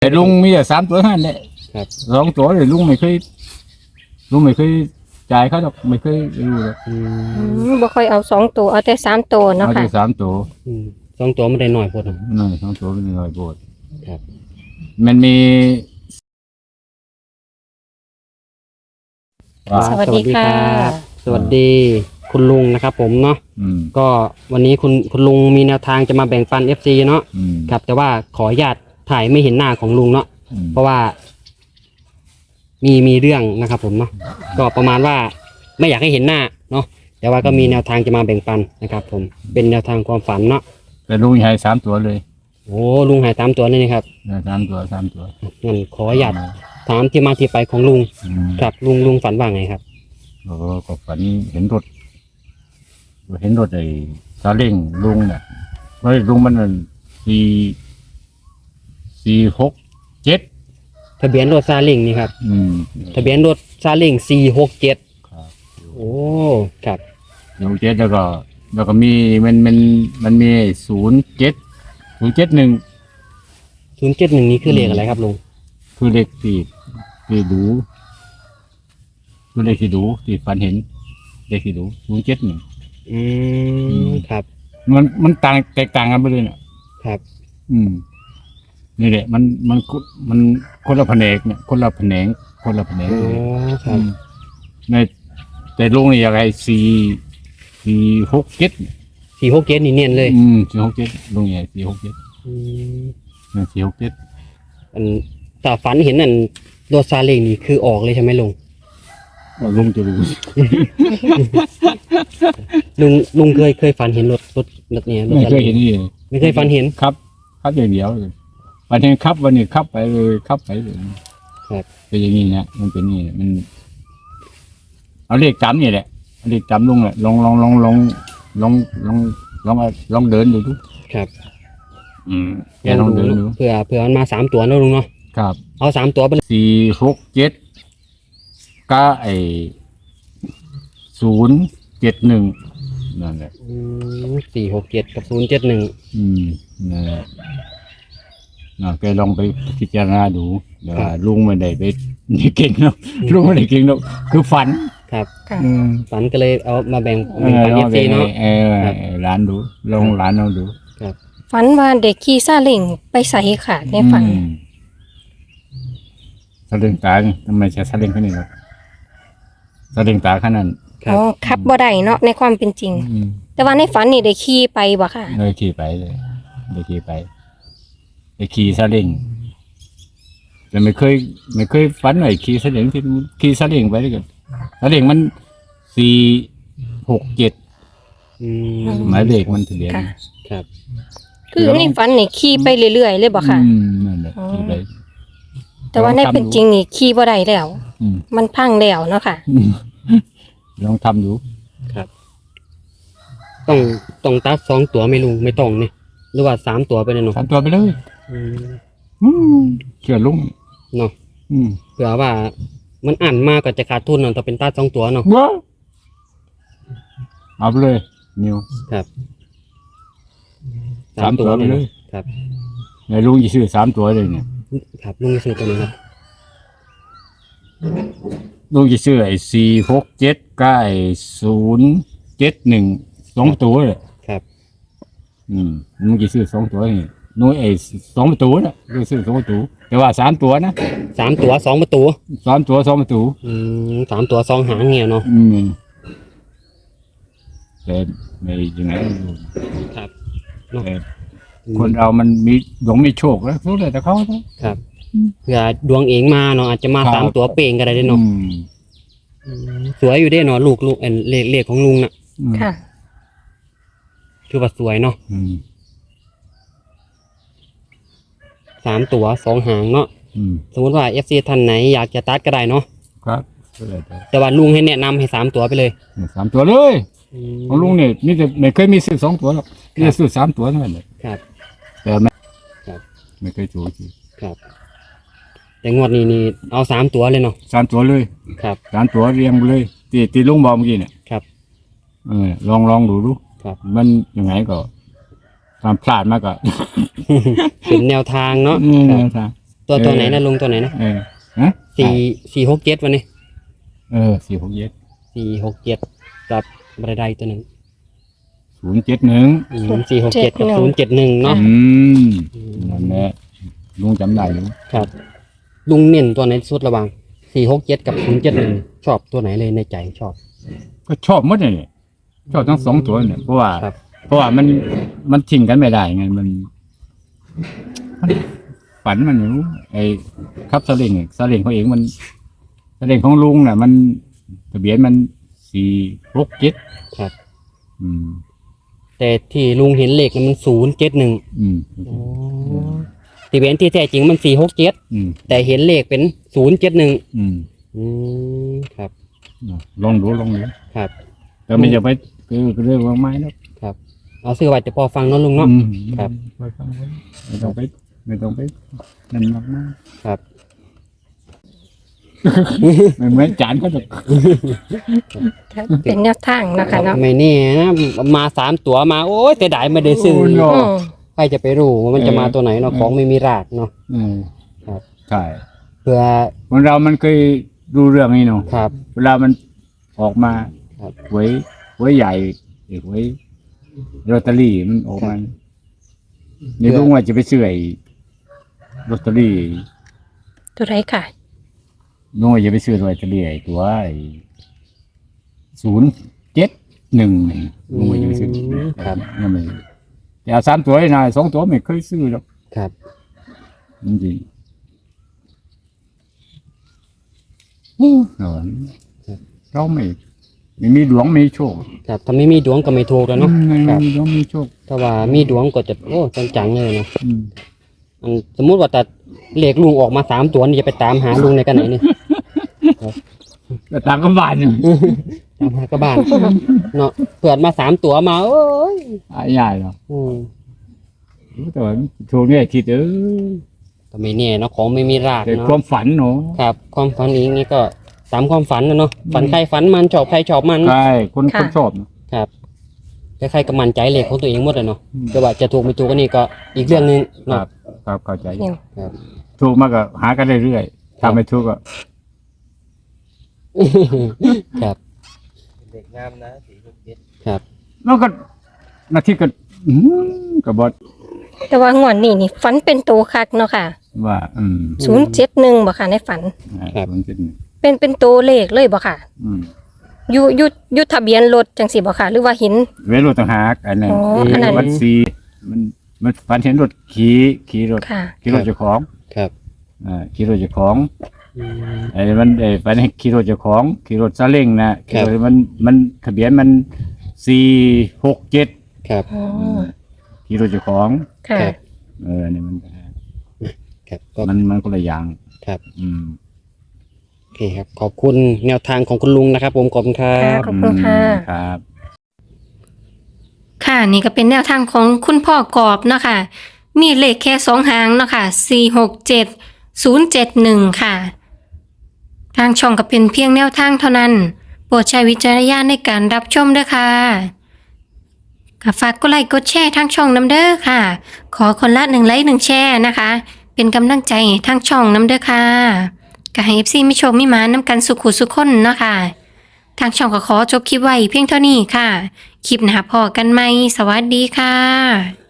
แต่ลุงมีแต่3 ตัวนั่นแหละครับ 2 ตัวเลยลุงไม่เคยจ่ายเขาหรอกไม่เคยรู้หรอกบ่ค่อยเอา2 ตัวเอาแต่3 ตัวเนาะเอาค่ะแต่3 ตัว 2 ตัวไม่ได้หน่อยพอดนั่น2 ตัวเป็นน้อยโบดครับมันมีสวัสดีค่ะสวัสดีคุณลุงนะครับผมเนาะอืมก็วันนี้คุณลุงมีแนวทางจะมาแบ่งปัน FC เนาะอืมครับแต่ว่าขออนุญาตถ่ายไม่เห็นหน้าของลุงเนาะอืมเพราะว่ามีเรื่องนะครับผมเนาะก็ประมาณว่าไม่อยากให้เห็นหน้าเนาะแต่ว่าก็มีแนวทางจะมาแบ่งปันนะครับผมเป็นแนวทางความฝันเนาะแต่ลุงให้3 ตัวเลยโอ้ลุงหายตามตัวเลยนะครับ 3 ตัว3 ตัวงั้นขออนุญาตถามที่มาที่ไปของลุงอืมครับลุงฝันว่าไงครับก็ฝันเห็นรถไอ้ซาเล้งลุงเนี่ยเฮ้ยลุงมัน467 ทะเบียนรถซาเล้งนี่ครับอืมทะเบียนรถซาเล้ง467 ครับโอ้ครับ 467แล้วก็มีมันมี071 071นี้คือเลขอะไรครับลุงคือเลขที่ดูคือเลขที่ดูที่ฝันเห็นเลขที่ดู071 อืมครับมันแตกต่างกันไปเลยเนี่ยครับอืมนี่แหละมันคนละแผนกเนี่ยคนละแผนกโอ้คอืรับมในแต่ลุงนี่อะไร467 467นี่เนียนเลย 467ลุงใหญ่467 อืมเนี่ย467 อันแต่ฝันเห็นนั่นรถซาเล้งนี่คือออกเลยใช่ไหมลุงลุงจะรู้ลุงเคยฝันเห็นรถเนี่ยรถไม่ซาเคเล้ยงเห็นนี่ไม่เคยฝันเห็นครับอย่างเดียวเลยวันนี้ครับวันนี้ครับไปเลยครับไปเลยครับเป็นอย่างนี้นะมันเป็นนี่มันเอาเลขจำนี่แหละเอาเลขจำลุงแหละลองเดินดูทุกครับแกลองเดินดูเผื่อมันมา3 ตัวนะลุงเนาะครับเอา3 ตัวไปเลย 467ก็071นั่นแหละ 467กับ071 นั่นแหละแกลองไปพิจารณาดูเดี๋ยวลุงไม่ได้ไปนี่เก่งเนาะลุงไม่ได้เก่งเนาะคือฝันครับค่ะฝันก็เลยเอามาแบ่งปัน FC เนาะ ครับร้านดูลองร้านเราดูฝันว่าเด็กขี่ซาเล้งไปใส่ค่ะในฝันสลิงตาทำไมใช้สลิงแค่นี้หรอสลิงตาแค่นั้นครับอ๋อขับบ่ได้เนาะในความเป็นจริง แต่ว่าในฝันนี่ได้ขี่ไปบ่ค่ะเลยขี่ไปเลยขี่สลิงแต่ไม่เคยฝันหน่อยขี่สลิงที่ขี่สลิงไปด้วยกันสลิงมัน467 อืมหมายเลขมันทะเบียนค่ะครับคือในฝันนี่ขี่ไปเรื่อยๆเลยบ่ค่ะนั่นแหละขี่ไปแต่ว่าในเป็นจริงนี่ขี่บ่ได้แล้วอืมมันพังแล้วเนาะค่ะลองทำดูครับ ต้องตัด2 ตัวไหม่ลุงไม่ต้องนี่หรือว่า3 ตัวไปเลยเนาะทำตัวไปเลยอืมเชื่อลุงเนาะอืมเผื่อว่ามันอ่านมากก็จะขาดทุนเนาะแต่เป็นตัด2 ตัวเนาะว้าเอาไปเลยนิวครับ 3 ตัวไปเลยครับในลุงจะซื้อ3 ตัวเลยเนี่ยครับลุงจะซื้อตัวนี้ครับลุงจะซื้อไอ้467กับไอ้071 2 ตัวเลยครับลุงจะซื้อ2 ตัวนี่นู้นไอ้2 ตัวน่ะลุงซื้อ2 ตัวแต่ว่า3 ตัวนะ 3 ตัว2 ประตู 3 ตัว2 ตัว 3 ตัว2 หางเงี้ยเนาะแต่ไม่ยังไงไม่รู้ครับแต่คนเรามันมีดวงมีโชคแล้วรู้เลยแต่เขาเนาะครับเผื่อดวงเองมาเนาะอาจจะมาครับ 3 ตัวเป่งก็ได้เด้เนาะสวยอยู่เด้เนาะลูกเลขของลุงน่ะค่ะคือว่าสวยเนาะอืม 3 ตัว2 หางเนาะอืมสมมติว่า FC ท่านไหนอยากจะตัดก็ได้เนาะครับก็เลยแต่แต่ว่าลุงให้แนะนำให้3 ตัวไปเลย 3 ตัวเลยของลุงเนี่ยนี่แต่ไม่เคยมีซื้อ2 ตัวหรอกมีแต่ซื้อ3 ตัวเท่านั้นแหละครับแต่ไม่ครับไม่เคยถูกจริงครับ แต่งวดนี้นี่เอา3 ตัวเลยเนาะ 3 ตัวเลยครับ 3 ตัวเรียงไปเลยตีลุงบอกเมื่อกี้เนี่ยครับลองดูครับมันยังไงก็ตามพลาดมากก็เป็นแนวทางเนาะนี่ครับนะตัวไหนนะลุงตัวไหนนะฮะ 467วันนี้ 467 467กับอะไรใดตัวหนึ่ง 071 467กับ071เนาะนั่นแหละลุงจำได้อยู่ครับลุงเน้นตัวไหนสุดระหว่าง467กับ071ชอบตัวไหนเลยในใจชอบก็ชอบหมดเลยชอบทั้งสองตัวเนี่ยเพราะว่าครับมันทิ้งกันไม่ได้ไงมันฝันมันอยู่ไอ้ครับซาเล้งเขาเองมันซาเล้งของลุงน่ะ มันทะเบียนมัน467 ครับอืมแต่ที่ลุงเห็นเลขนั้นมัน071 อืมทะเบียนที่แท้จริงมัน467 อืมแต่เห็นเลขเป็น071 อืมครับลองดูครับแต่ไม่จะไปคือเรื่องของไม้นะครับเอาซื้อไว้จะพอฟังเนาะลุงเนาะอืมครับไม่ต้องไปนั่นมากครับๆไม่เหมือนจานก็จะเป็นแนวทางเนาะค่ะเนาะไม่แน่นะมา3ตัวมาโอ้ยแต่ได้ไม่ได้ซื้อโยอืมใครจะไปรู้ว่ามันจะมาตัวไหนเนาะของไม่มีรากเนาะอืมครับใช่เพื่อคนเรามันเคยดูเรื่องนี้เนาะครับเวลามันออกมาครับหวยใหญ่หวยลอตเตอรี่มันออกมาในลุงว่าจะไปซื้อไอ้ลอตเตอรี่ตัวไรค่ะลุงว่าจะไปซื้อลอตเตอรี่ไอ้ตัว071ลุงว่าจะไปซื้อครับนั่นเลยแต่เอา3 ตัวนะ2 ตัวไม่เคยซื้อหรอกครับจริงๆเราไม่มีดวงไม่มีโชคครับถ้าไม่มีดวงก็ไม่ถูกแล้วเนาะไม่ครับมีดวงมีโชคถ้าว่ามีดวงก็จะโอ้จังๆเลยเนาะอืมอันสมมุติว่าแต่เลขลุงออกมา3ตัวนี่จะไปตามหาลุงในกันไหนนี่แต่ต่างกันบ้านเนี่ยตามหากระบ้านเนาะเปิดมา3ตัวมาโอ้ยใหญ่หรอกอืมแต่ว่าโชคเนี่ยคิดก็ไม่แน่เนาะของไม่มีรากแต่เนาะความฝันเนาะครับความฝันนี้นี่ก็ตามความฝันนะเนาะฝันใครฝันมันชอบใครชอบมันใช่คนค่ะชอบครับใครๆก็มั่นใจเลขของตัวเองหมดเลยเนาะอืมแต่ว่าจะถูกไม่ถูกก็นี่ก็อีกเรื่องหนึงคเนาะรับครับเข้าใจเนี่ยครับถูกมากก็หากันเรื่อยๆถ้าไม่ถูกก็ครับเด็กงามนะ467 ครับแล้วก็นาทีก็ก็บอกแต่ว่างวดนี้นี่ฝันเป็นโตคักเนาะค่ะว่า 071บ่ค่ะในฝันมันเป็นเป็นโตเลขเลยบ่ค่ะอืมอยู่ทะเบียนรถจังสิบ่ค่ะ หรือว่าเห็นเวรถต่างหากอันนั้นอ๋ออันนั้นวัดซีมันฝันเห็นรถขี่รถค่ะขี่รถเจ้าของครับขี่รถเจ้าของอืมไอ้มันฝันเห็นขี่รถเจ้าของขี่รถซาเล้งนะขี่รถมันทะเบียนมัน467 ครับอ๋อขี่รถเจ้าของค่ะครับนี่มันครับก็มันคนละอย่างครับอืมโอเคครับขอบคุณแนวทางของคุณลุงนะครับผมขอบคุณครัค่ะบขอบคุณค่ะครับค่ะนี่ก็เป็นแนวทางของคุณพ่อกอบเนาะค่ะ มีเลขแค่2หางเนาะค่ะ467 071 ค่ะ ทางช่องก็เป็นเพียงแนวทางเท่านั้น โปรดใช้วิจารณญาณในการรับชมด้วยค่ะก็ฝากกดไลค์กดแชร์ทางช่องน้ำเด้อค่ะ ขอคนละ1 ไลค์ 1 แชร์นะคะ เป็นกำลังใจให้ทางช่องน้ำเด้อค่ะก็ให้ FC มีโชคมีหมานำกันสุขุสุขคนเนาะค่ะ ทางช่องก็ขอจบคลิปไว้เพียงเท่านี้ค่ะ คลิปหน้าพอกันไหม สวัสดีค่ะ